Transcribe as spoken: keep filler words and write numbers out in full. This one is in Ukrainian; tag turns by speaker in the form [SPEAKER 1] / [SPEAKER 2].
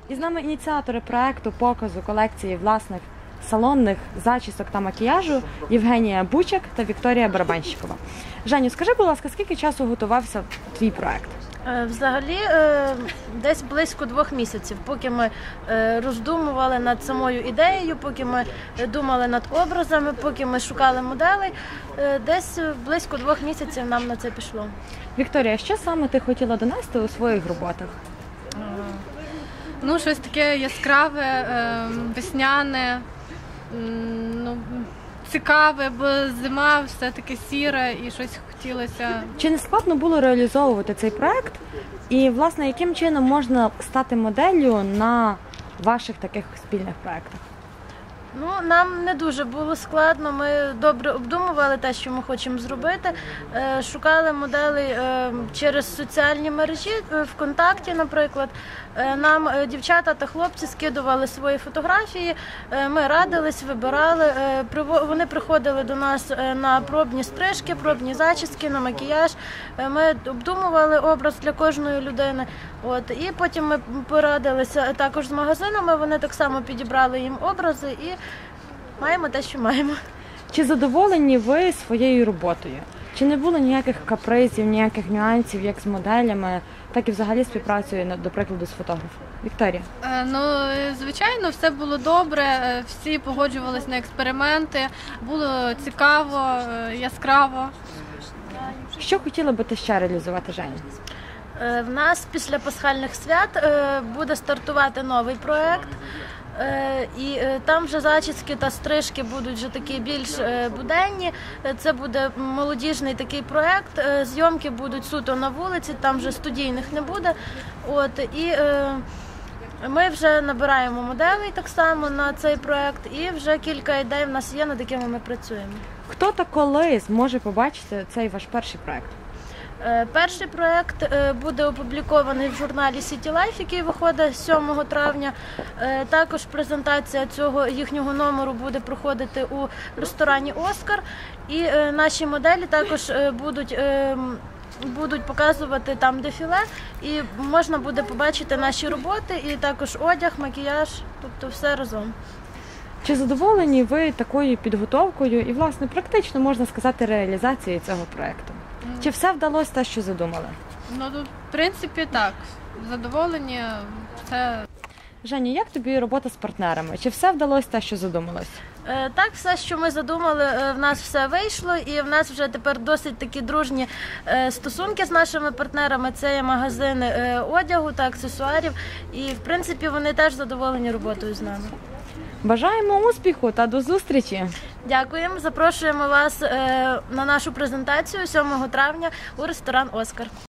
[SPEAKER 1] І з нами ініціатори проекту показу колекції власних салонних зачісок та макіяжу Євгенія Бучак та Вікторія Барабанщикова. Женю, скажи, будь ласка, скільки часу готувався твій проект?
[SPEAKER 2] Взагалі, десь близько двох місяців, поки ми роздумували над самою ідеєю, поки ми думали над образами, поки ми шукали моделей, десь близько двох місяців нам на це пішло.
[SPEAKER 1] Вікторія, що саме ти хотіла донести у своїх роботах?
[SPEAKER 3] Ну, щось таке яскраве, весняне, ну, цікаве, бо зима все-таки сіра і щось хотілося.
[SPEAKER 1] Чи не складно було реалізовувати цей проект? І, власне, яким чином можна стати моделлю на ваших таких спільних проектах?
[SPEAKER 2] Ну, нам не дуже було складно, ми добре обдумували те, що ми хочемо зробити, шукали моделей через соціальні мережі, ВКонтакті, наприклад. Нам дівчата та хлопці скидували свої фотографії, ми радились, вибирали, вони приходили до нас на пробні стрижки, пробні зачіски, на макіяж, ми обдумували образ для кожної людини. От, і потім ми порадилися також з магазинами, вони так само підібрали їм образи і маємо те, що маємо.
[SPEAKER 1] Чи задоволені ви своєю роботою? Чи не було ніяких капризів, ніяких нюансів, як з моделями, так і взагалі співпрацею, до прикладу, з фотографом? Вікторія?
[SPEAKER 3] Е, ну, звичайно, все було добре, всі погоджувалися на експерименти, було цікаво, яскраво.
[SPEAKER 2] Що
[SPEAKER 1] хотіла би ти ще реалізувати, Женя?
[SPEAKER 2] В нас після пасхальних свят буде стартувати новий проєкт, і там вже зачіски та стрижки будуть вже такі більш буденні. Це буде молодіжний такий проєкт, зйомки будуть суто на вулиці, там вже студійних не буде. От, і ми вже набираємо моделей так само на цей проєкт, і вже кілька ідей в нас є, над якими ми працюємо.
[SPEAKER 1] Хто та коли зможе побачити цей ваш перший проєкт?
[SPEAKER 2] Перший проєкт буде опублікований в журналі City Life, який виходить сьомого травня. Також презентація цього їхнього номеру буде проходити у ресторані «Оскар». І наші моделі також будуть, будуть показувати там дефіле, і можна буде побачити наші роботи, і також одяг, макіяж, тобто все разом.
[SPEAKER 1] Чи задоволені ви такою підготовкою і, власне, практично, можна сказати, реалізацією цього проєкту? Чи все вдалося те, що задумали?
[SPEAKER 3] Ну, в принципі, так. Задоволені, все.
[SPEAKER 1] Женя, як тобі робота з партнерами? Чи все вдалося те, що задумалось?
[SPEAKER 2] Так, все, що ми задумали, в нас все вийшло, і в нас вже тепер досить такі дружні стосунки з нашими партнерами. Це є магазини одягу та аксесуарів, і, в принципі, вони теж задоволені роботою з нами.
[SPEAKER 1] Бажаємо успіху та до зустрічі!
[SPEAKER 2] Дякуємо, запрошуємо вас на нашу презентацію сьомого травня у ресторан «Оскар».